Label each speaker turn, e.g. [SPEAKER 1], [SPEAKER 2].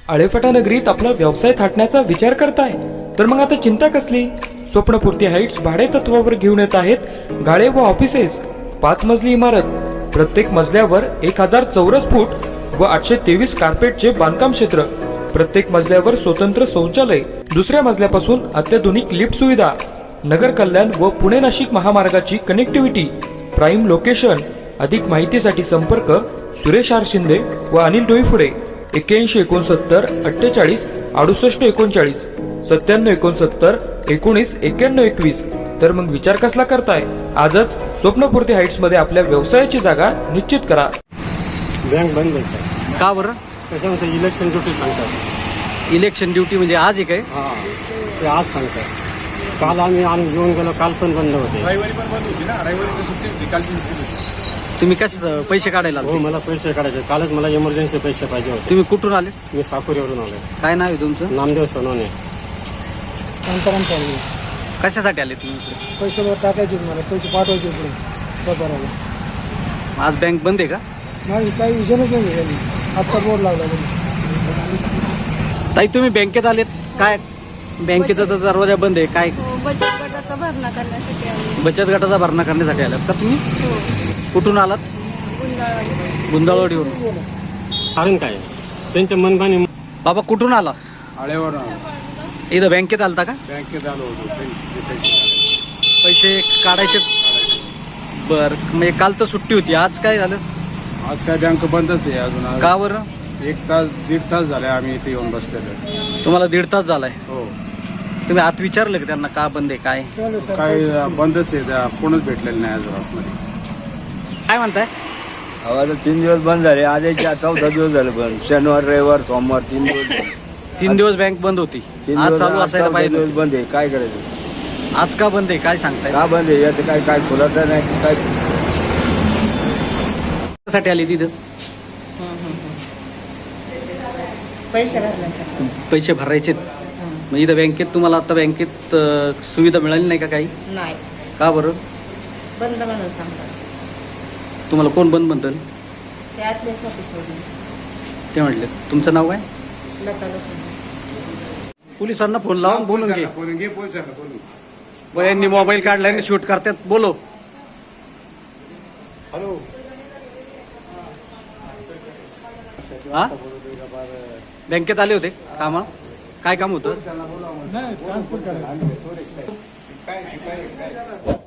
[SPEAKER 1] आळेफाटा नगरीत आपला व्यवसाय थाटण्याचा विचार करताय तर मग आता चिंता कसली? स्वप्नपूर्ती हाईट्स भाडे तत्वावर घेऊन येत आहेत गाळे व ऑफिसेस. 5 मजली इमारत, प्रत्येक मजल्यावर 1000 चौरस फूट व 823 कार्पेटचे बांधकाम क्षेत्र, प्रत्येक मजल्यावर स्वतंत्र शौचालय, दुसऱ्या मजल्यापासून अत्याधुनिक लिफ्ट सुविधा, नगर कल्याण व पुणे नाशिक महामार्गाची कनेक्टिव्हिटी, प्राईम लोकेशन. अधिक माहितीसाठी संपर्क सुरेश आर शिंदे व अनिल डोईफुडे. 81 69 48 68 39 97 69 19 91 21. तर मग विचार कसला करताय? आजच स्वप्नपूर्ती हाईट्स मध्ये आपल्या व्यवसायाची जागा निश्चित करा.
[SPEAKER 2] बँक बंद आहे सर.
[SPEAKER 3] का बरं?
[SPEAKER 2] त्याच्यामध्ये इलेक्शन ड्युटी सांगतात.
[SPEAKER 3] इलेक्शन ड्युटी म्हणजे आज आहे काय?
[SPEAKER 2] हां, ते आज सांगतात. काल आम्ही येऊन गेलो, काल पण बंद होते.
[SPEAKER 4] रविवारी पण बंद होती ना, रविवारी सुट्टी होती, कालची सुट्टी होती.
[SPEAKER 3] तुम्ही कसं पैसे काढायला आले?
[SPEAKER 2] हो, मला पैसे काढायचे. कालच मला इमर्जन्सी पैसे पाहिजे होते.
[SPEAKER 3] तुम्ही कुठून आले?
[SPEAKER 2] मी साकुरीवरून आलो.
[SPEAKER 3] काय नाव आहे तुमचं?
[SPEAKER 2] नामदेव सोनवणे.
[SPEAKER 3] कशासाठी आले तुम्ही इकडे?
[SPEAKER 5] पैसे टाकायचे मला, पैसे पाठवायचे पुढे व्यापाराला.
[SPEAKER 3] आज बँक बंद आहे का?
[SPEAKER 5] नाही, काही विषयच नाही त्यांनी. आत्ता बोर्ड लावला
[SPEAKER 3] ताई तुम्ही बँकेत आलेत काय? बँकेचा तर दरवाजा बंद आहे काय?
[SPEAKER 6] बचत गटाचा भरणा करण्यासाठी आले.
[SPEAKER 3] बचत गटाचा भरणा करण्यासाठी आलात का तुम्ही?
[SPEAKER 6] हो,
[SPEAKER 3] कुठून आलात?
[SPEAKER 6] गुंजाळवाडी.
[SPEAKER 3] गुंदाळवाडीवरून.
[SPEAKER 2] कारण काय त्यांच्या मनमानी.
[SPEAKER 3] बाबा कुठून आला?
[SPEAKER 4] आळेवर
[SPEAKER 3] इथं बँकेत आलता का?
[SPEAKER 4] बँकेत आलो होतो, पैसे
[SPEAKER 3] पैसे काढायचे. बर, म्हणजे काल तर सुट्टी होती, आज काय झालं?
[SPEAKER 4] आज काय बँक बंदच आहे अजून.
[SPEAKER 3] का बरं?
[SPEAKER 4] 1-1.5 तास झाले आम्ही इथे येऊन बसलेलो.
[SPEAKER 3] तुम्हाला 1.5 तास झालाय.
[SPEAKER 4] हो,
[SPEAKER 3] तुम्ही आत विचारलं का त्यांना का बंद आहे काय?
[SPEAKER 4] काय बंदच आहे, त्या कोणच भेटलेलं नाही अजून आतमध्ये.
[SPEAKER 3] काय म्हणताय?
[SPEAKER 7] आता 3 दिवस बंद झाले. आज 14 दिवस झाले बंद. शनिवार रविवार सोमवार 3 दिवस.
[SPEAKER 3] 3 दिवस बँक बंद होती.
[SPEAKER 7] 3
[SPEAKER 3] आज
[SPEAKER 7] दिवस
[SPEAKER 3] चालू असायला पाहिजे
[SPEAKER 7] दिवस
[SPEAKER 3] होती.
[SPEAKER 7] बंद आहे. काय करायचं?
[SPEAKER 3] आज का बंद आहे काय सांगताय?
[SPEAKER 7] का बंद आहे याचं काय खुलासा नाही काय.
[SPEAKER 3] साठी आली तिथं? पैसे भरायचे. मग इथं बँकेत तुम्हाला आता बँकेत सुविधा मिळाली नाही का काही?
[SPEAKER 8] नाही,
[SPEAKER 3] का बरं?
[SPEAKER 8] बंद म्हणून सांगतात.
[SPEAKER 3] तुम्हाला कोण बंद म्हणतं?
[SPEAKER 8] ते आतलेच ऑफिसमधून
[SPEAKER 3] ते म्हटले. तुमचं नाव काय?
[SPEAKER 8] लता लोखंडे.
[SPEAKER 3] पोलिसांना फोन लावून बोलून घे.
[SPEAKER 4] बोलून घे, पोलिसांना बोलून.
[SPEAKER 3] व यांनी मोबाईल काढलाय आणि शूट करतात. बोलो.
[SPEAKER 4] हॅलो,
[SPEAKER 3] हा, बँकेत आले होते कामा? काय काम होतं?
[SPEAKER 5] नाही, ट्रान्सफर करायचं.